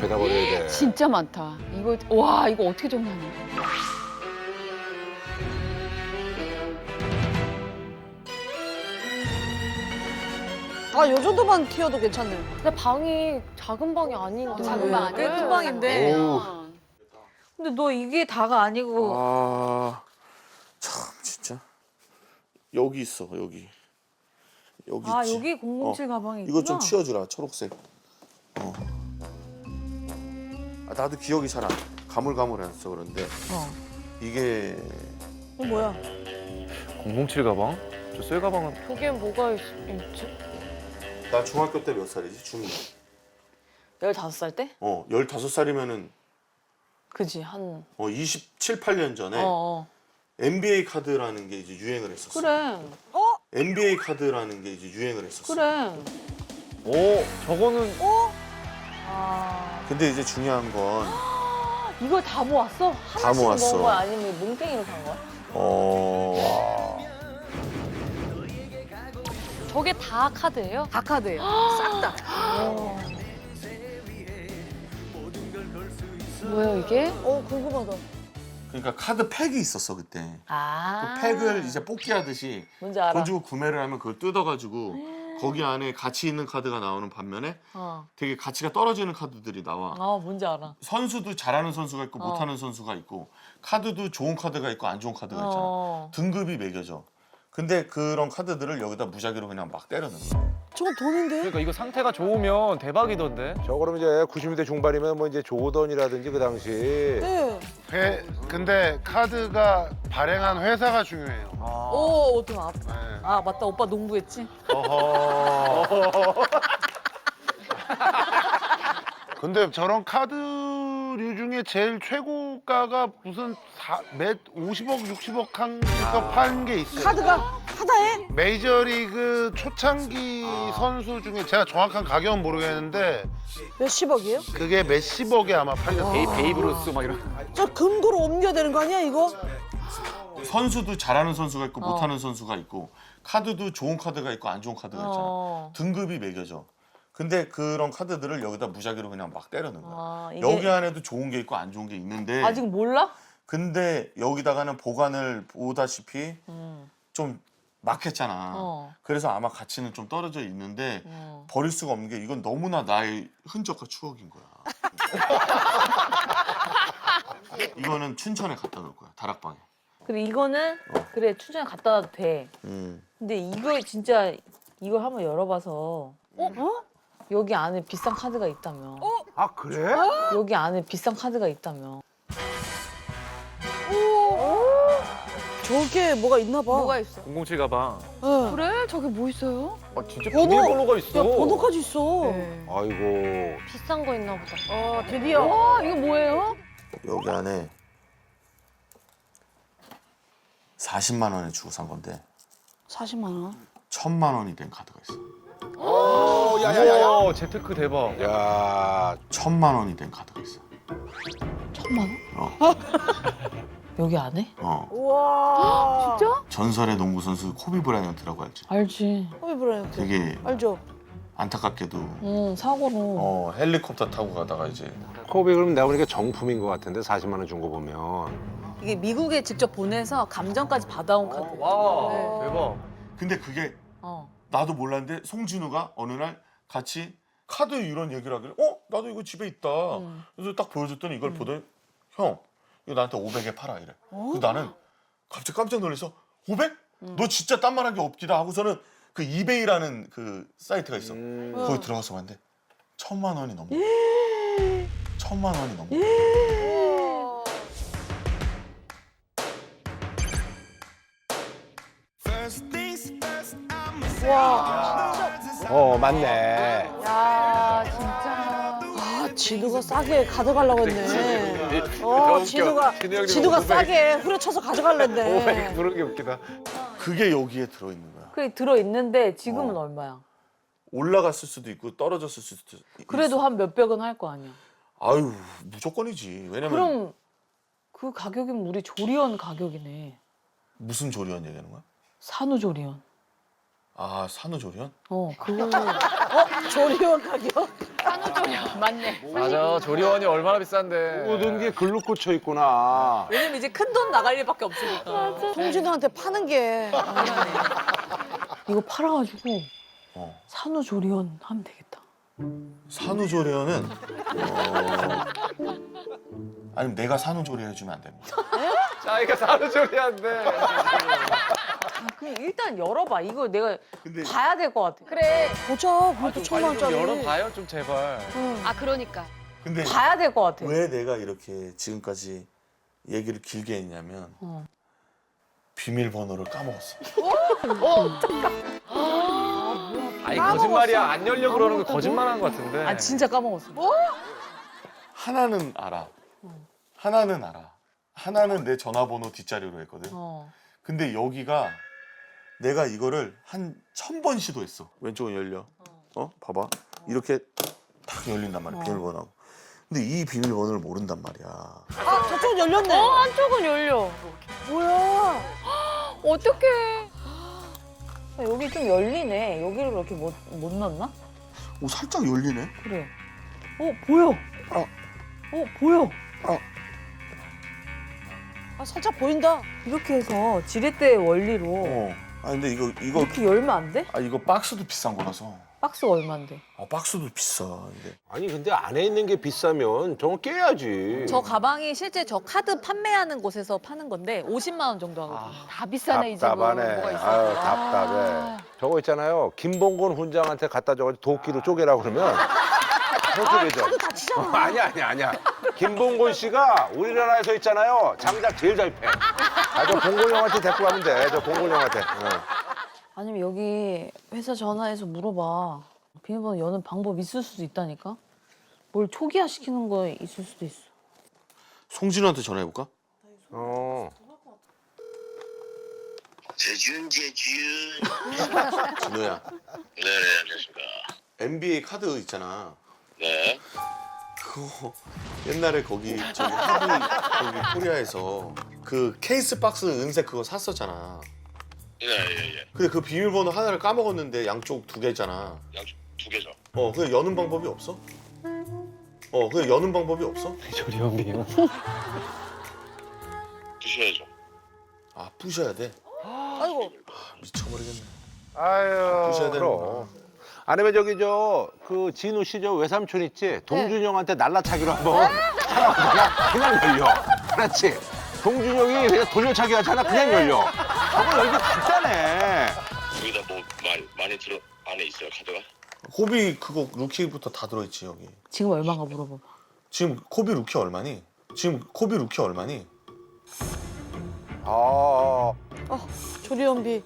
다 버려야 돼. 진짜 많다. 이거 와 이거 어떻게 정리하냐? 아, 요 정도만 튀어도 괜찮네. 근데 방이 작은 방이 아닌데. 작은 방 아니야? 큰 방인데. 오. 근데 너 이게 다가 아니고. 아, 참 진짜. 여기 있어, 여기. 여기 아 있지. 여기 007 가방이 있구나. 이거 좀 치워주라, 초록색. 아, 나도 기억이 잘 안, 가물가물해서 그런데 이게 뭐야? 007 가방? 저 쇠 가방은 그게 뭐가 있지? 나 중학교 때 몇 살이지? 중2. 15살 때? 15살이면은 그지 한. 27, 8년 전에 어. NBA 카드라는 게 이제 유행을 했었어. 그래. NBA 카드라는 게 이제 유행을 했었어. 그래. 오 저거는 아 근데 이제 중요한 건 이걸 다 모았어? 하나씩 모았어. 모은 거야? 아니면 뭉탱이로 산 거야? 저게 다 카드예요? 다 카드예요. 싹 다. 뭐야 이게? 궁금하다. 그러니까 카드 팩이 있었어 그때. 아. 그 팩을 이제 뽑기 하듯이 뭔지 알아. 돈 주고 구매를 하면 그걸 뜯어가지고 거기 안에 가치 있는 카드가 나오는 반면에 되게 가치가 떨어지는 카드들이 나와. 뭔지 알아. 선수도 잘하는 선수가 있고 못하는 선수가 있고 카드도 좋은 카드가 있고 안 좋은 카드가 있잖아. 등급이 매겨져. 근데 그런 카드들을 여기다 무작위로 그냥 막 때려넣는 거야. 저건 돈인데? 그러니까 이거 상태가 좋으면 대박이던데. 저 그럼 이제 90년대 중반이면 뭐 이제 조던이라든지 그 당시 네. 근데 카드가 발행한 회사가 중요해요. 오, 어떡 네. 아 맞다 오빠 농구했지? 어허. 근데 저런 카드류 중에 제일 최고가가 무슨 몇 50억, 60억 한에서 판 게 있어요. 카드가 하나에? 메이저리그 초창기 선수 중에 제가 정확한 가격은 모르겠는데 몇십억이에요? 그게 몇십억에 아마 팔렸어요. 베이브루스 막 이런. 저 금고로 옮겨야 되는 거 아니야, 이거? 선수도 잘하는 선수가 있고 못하는 선수가 있고 카드도 좋은 카드가 있고 안 좋은 카드가 있잖아. 등급이 매겨져. 근데 그런 카드들을 여기다 무작위로 그냥 막 때려넣는 거야. 이게 여기 안에도 좋은 게 있고 안 좋은 게 있는데 아직 몰라? 근데 여기다가는 보관을 보다시피 좀 막혔잖아. 그래서 아마 가치는 좀 떨어져 있는데 버릴 수가 없는 게 이건 너무나 나의 흔적과 추억인 거야. 이거는 춘천에 갖다 놓을 거야, 다락방에. 그래 이거는 그래 춘천에 갖다 놔도 돼. 근데 이거 진짜 이걸 한번 열어봐서 여기 안에 비싼 카드가 있다며. 아 그래? 여기 안에 비싼 카드가 있다며. 저게 뭐가 있나 봐. 뭐가 있어? 007 가방. 네. 그래? 저게 뭐 있어요? 아 진짜 번호! 비밀번호가 있어. 야, 번호까지 있어. 네. 아이고. 비싼 거 있나 보다. 드디어. 와 이거 뭐예요? 여기 안에 40만 원에 주고 산 건데 40만 원. 1000만 원이 된 카드가 있어. 오, 야야야야. 우와, 재테크 대박. 야, 1000만 원이 된 카드가 있어. 1000만 원? 여기 안에? 우와. 진짜? 전설의 농구 선수 코비 브라이언트라고 알지? 알지. 허비 브라이언트. 되게 알죠? 안타깝게도 응 사고로. 헬리콥터 타고 가다가 이제 코비 그럼 내가 보니까 정품인 것 같은데 40만 원 준 거 보면. 이게 미국에 직접 보내서 감정까지 받아온 카드. 와 대박. 근데 그게 어. 나도 몰랐는데 송진우가 어느 날 같이 카드 이런 얘기를 하길래 나도 이거 집에 있다. 그래서 딱 보여줬더니 이걸 보더니 형 이거 나한테 500에 팔아 이래. 그래서 나는 갑자기 깜짝 놀라서 500? 너 진짜 딴 말한 게 없기다 하고서는 그 이베이라는 그 사이트가 있어. 거기 들어가서 봤는데 1000만 원이 넘어. 1000만 원이 넘어. 맞네. 야 진짜. 아, 진우가 싸게 가져가려고 했네. 너무 진우가, 웃겨. 진우 형님 진우가 500. 싸게 후려쳐서 가져가려 했네. 그런 게 웃기다. 그게 여기에 들어있는 거야. 그래 들어 있는데 지금은 얼마야? 올라갔을 수도 있고 떨어졌을 수도 있어. 그래도 한 몇백은 할 거 아니야. 아유 무조건이지. 왜냐면 그럼 그 가격이면 우리 조리원 가격이네. 무슨 조리원 얘기하는 거야? 산후조리원. 아 산후조리원? 그거 조리원 가격? 맞네. 맞아. 조리원이 얼마나 비싼데. 모든 게 글로 꽂혀 있구나. 왜냐면 이제 큰 돈 나갈 일밖에 없으니까. 송진우한테 파는 게. 이거 팔아가지고 어. 산후조리원 하면 되겠다. 산후조리원은 아니면 내가 산후조리 해주면 안 됩니다. 자기가 사는 조리한데. 아, 그냥 일단 열어봐. 이거 내가 근데 봐야 될 것 같아. 그래. 보자. 그것도 1,000만 좀 원짜리. 열어봐요 좀 제발. 아 그러니까. 근데 봐야 될 것 같아. 왜 내가 이렇게 지금까지 얘기를 길게 했냐면 어. 비밀번호를 까먹었어. 아니 거짓말이야. 안 열려 그러는 거 거짓말한 거 같은데. 아 진짜 까먹었어. 하나는 알아. 하나는 알아. 하나는 내 전화번호 뒷자리로 했거든. 어. 근데 여기가 내가 이거를 한 1000번 시도했어. 왼쪽은 열려. 봐봐. 이렇게 탁 열린단 말이야. 비밀번호하고. 근데 이 비밀번호를 모른단 말이야. 아, 저쪽은 열렸네. 한쪽은 열려. 뭐야. 어떡해. 여기 좀 열리네. 여기를 이렇게 못 넣나? 오, 살짝 열리네. 그래. 보여. 보여. 아, 살짝 보인다. 이렇게 해서 지렛대 원리로 아, 근데 이거 이렇게 열면 안 돼? 이거 박스도 비싼 거라서. 박스가 얼만데? 박스도 비싸. 근데 아니 근데 안에 있는 게 비싸면 저건 깨야지. 저 가방이 실제 저 카드 판매하는 곳에서 파는 건데 50만 원 정도 하거든요. 다 비싸네 이 집은. 답답하네. 뭐가 있어? 아유 답답해. 저거 있잖아요. 김봉곤 훈장한테 갖다 줘가지고 도끼로 쪼개라고 그러면 그렇게 되죠. 아니야. 김봉곤 씨가 우리나라에서 있잖아요. 장작 제일 잘 패. 저 봉곤 형한테 데리고 가면 돼. 저 봉곤 형한테. 아니면 여기 회사 전화해서 물어봐. 비밀번호 여는 방법 있을 수도 있다니까? 뭘 초기화 시키는 거 있을 수도 있어. 송진우한테 전화해볼까? 재준 진우야. 네 안녕하십니까. NBA 카드 있잖아. 네. 그거 옛날에 거기 거기 코리아에서 그 케이스 박스 은색 그거 샀었잖아. 예. 근데 그 비밀번호 하나를 까먹었는데 양쪽 2개잖아. 양쪽 2개죠. 그냥 여는 방법이 없어? 그냥 여는 방법이 없어? 조리원 비용. 드셔야죠. 아, 부셔야 돼? 아이고. 미쳐버리겠네. 아유. 부셔야 되는 그럼. 거야. 아니면 저기 그 진우 씨 저 외삼촌 있지? 동준 형한테 날라차기로 한번 하나 그냥 열려. 그렇지. 동준 형이 그냥 돌려차기 하잖아. 그냥 열려. 저거 열기 간단해. 여기다 뭐 많이 들어 안에 있어요 카드가? 코비 그거 루키부터 다 들어있지 여기. 지금 얼마인가 물어봐봐. 지금 코비 루키 얼마니? 조리원비.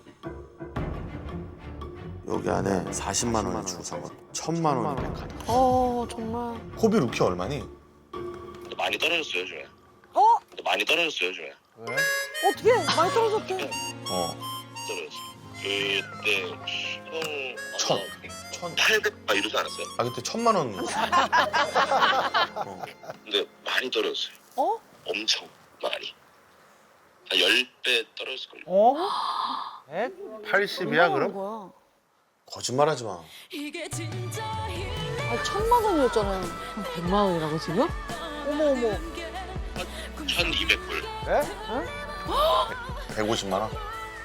여기 안에 40만 원이 주고 산 거. 1000만 원이 된 카드. 정말. 코비 루키 얼마니? 근데 많이 떨어졌어요 요즘에. 어? 근데 많이 떨어졌어요 요즘에. 어떻게? 많이 떨어졌대. 떨어졌어요. 그때 총 1000. 800 이러지 않았어요? 아 그때 1000만 원. 근데 많이 떨어졌어요. 엄청 많이. 한 10배 떨어졌을걸요. 80이야 그럼? 거야. 거짓말하지 마. 아, 1,000만 원이었잖아요. 100만 원이라고 지금? 어머. 1200불. 150만 원?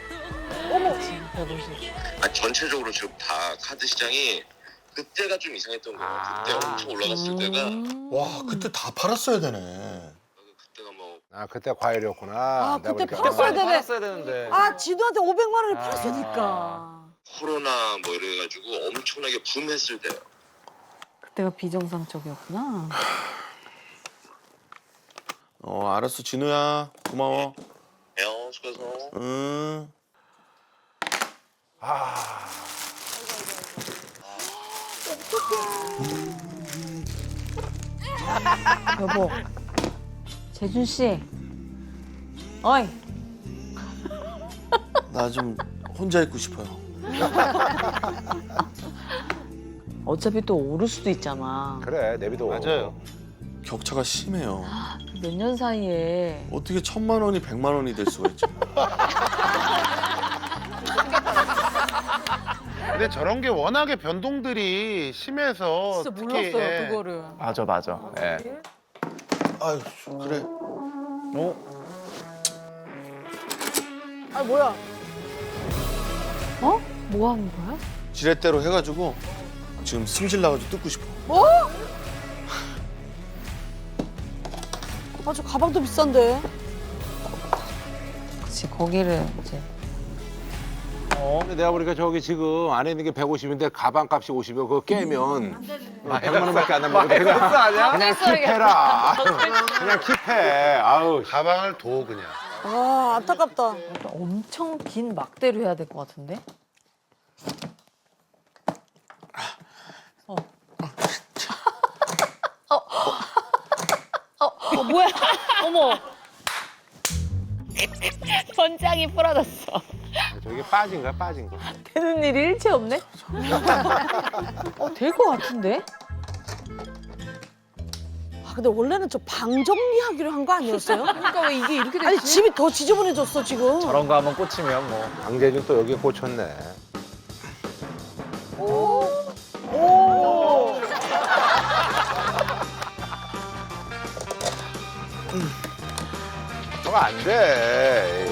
아니, 전체적으로 지금 다 카드 시장이 그때가 좀 이상했던 거예요. 그때 엄청 올라갔을 때가 와 그때 다 팔았어야 되네. 그때가 뭐 그때 과일이었구나. 아, 내가 그때 보니까. 팔았어야 되네. 팔았어야 되는데. 아, 진우한테 500만 원을 팔았으니까. 코로나 뭐 이래가지고 엄청나게 붐했을 때요. 그때가 비정상적이었구나. 알았어 진우야 고마워. 수고해서. 여보, 재준 씨. 어이. 나 좀 혼자 있고 싶어요. 어차피 또 오를 수도 있잖아. 그래 내비도. 맞아요. 격차가 심해요. 몇 년 사이에. 어떻게 1000만 원이 100만 원이 될 수가 있지? 근데 저런 게 워낙에 변동들이 심해서 진짜 특히, 몰랐어요 예. 그거를. 맞아 맞아. 예. 아유 그래. 아 뭐야? 뭐 하는 거야? 지렛대로 해가지고 지금 승질 나가지고 뜯고 싶어. 아 저 가방도 비싼데. 그치 거기를 이제 근데 내가 보니까 저기 지금 안에 있는 게 150인데 가방 값이 50이고 그거 깨면 100만 원밖에 안 남는 거야. 그냥 킵해라. 그냥 킵해. 아우. 가방을 둬 그냥. 아 안타깝다. 엄청 긴 막대로 해야 될 것 같은데? 뭐야? 어머. 번장이 부러졌어. 저게 빠진 거야 빠진 거. 되는 일이 일체 없네? 될 것 같은데? 아 근데 원래는 저 방 정리하기로 한 거 아니었어요? 그러니까 왜 이게 이렇게 됐지? 아니 집이 더 지저분해졌어 지금. 저런 거 한번 꽂히면 뭐. 강재준 또 여기에 꽂혔네. 오. 저거 안 돼.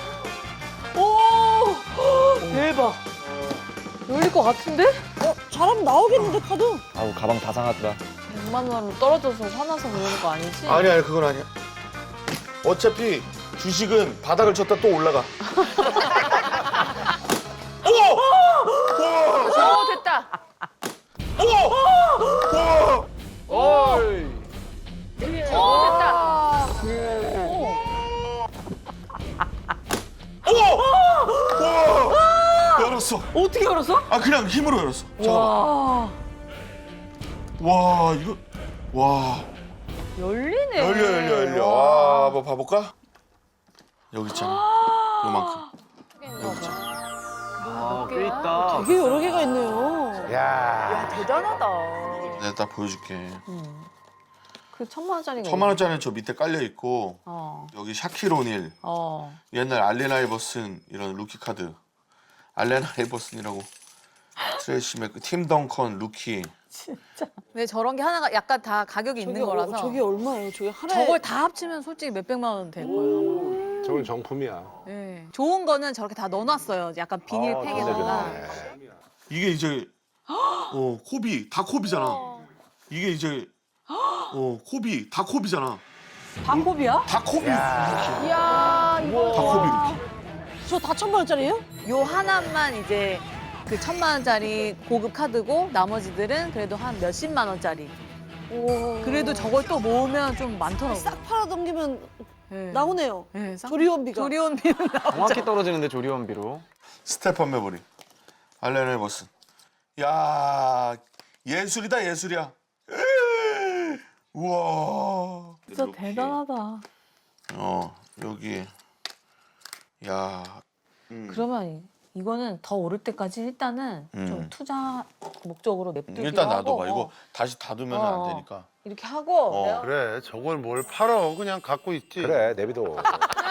오. 대박. 열릴 것 같은데? 잘하면 나오겠는데 카드? 아우 가방 다 상하더라. 100만 원으로 떨어져서 화나서 그러는 거 아니지? 아니 그건 아니야. 어차피 주식은 바닥을 쳤다 또 올라가. 됐다. 어이. 됐다. 열었어. 어떻게 열었어? 아 그냥 힘으로 열었어. 잠깐만. 와. 와 이거 와 열리네. 열려. 와, 뭐 봐볼까? 여기 있잖아. 요만큼. 여기 있잖아. 꽤 있다. 되게 여러 개가 있네요. 야. 대단하다. 내가 딱 보여줄게. 그 1000만 원짜리가 1000만 원짜리는 저 밑에 깔려 있고 여기 샤키로닐, 옛날 알렌 아이버슨 이런 루키 카드, 알렌 아이버슨이라고 트레이시 맥, 팀 덩컨 루키. 왜 저런 게 하나가 약간 다 가격이 있는 거라서. 저게 얼마예요? 저게 하나에 저걸 다 합치면 솔직히 몇백만 원 될 거예요. 저건 정품이야. 네. 좋은 거는 저렇게 다 넣어놨어요. 약간 비닐팩에다가. 이게 이제 코비 다 코비잖아. 이게 이제 코비 다 코비잖아. 방법이야? 다 코비. 이야, 이거. 다 코비 루키. 저 다 1000만 원짜리예요? 요 하나만 이제 그 1000만 원짜리 고급 카드고 나머지들은 그래도 한 몇십만 원짜리. 오. 그래도 저걸 또 모으면 좀 많더라고요. 싹 팔아 넘기면 네. 나오네요. 네, 조리원비가. 조리원비는 정확히 떨어지는데 조리원비로. 스테판 메버리, 알렌 아이버슨. 야 예술이다 예술이야. 우와. 진짜 대단하다. 여기. 야. 그러면 이거는 더 오를 때까지 일단은 좀 투자 목적으로 냅두기로 일단 하고 놔둬봐. 이거 다시 닫으면 안 되니까. 이렇게 하고 어. 내가 그래 저걸 뭘 팔어 그냥 갖고 있지. 그래 내비도.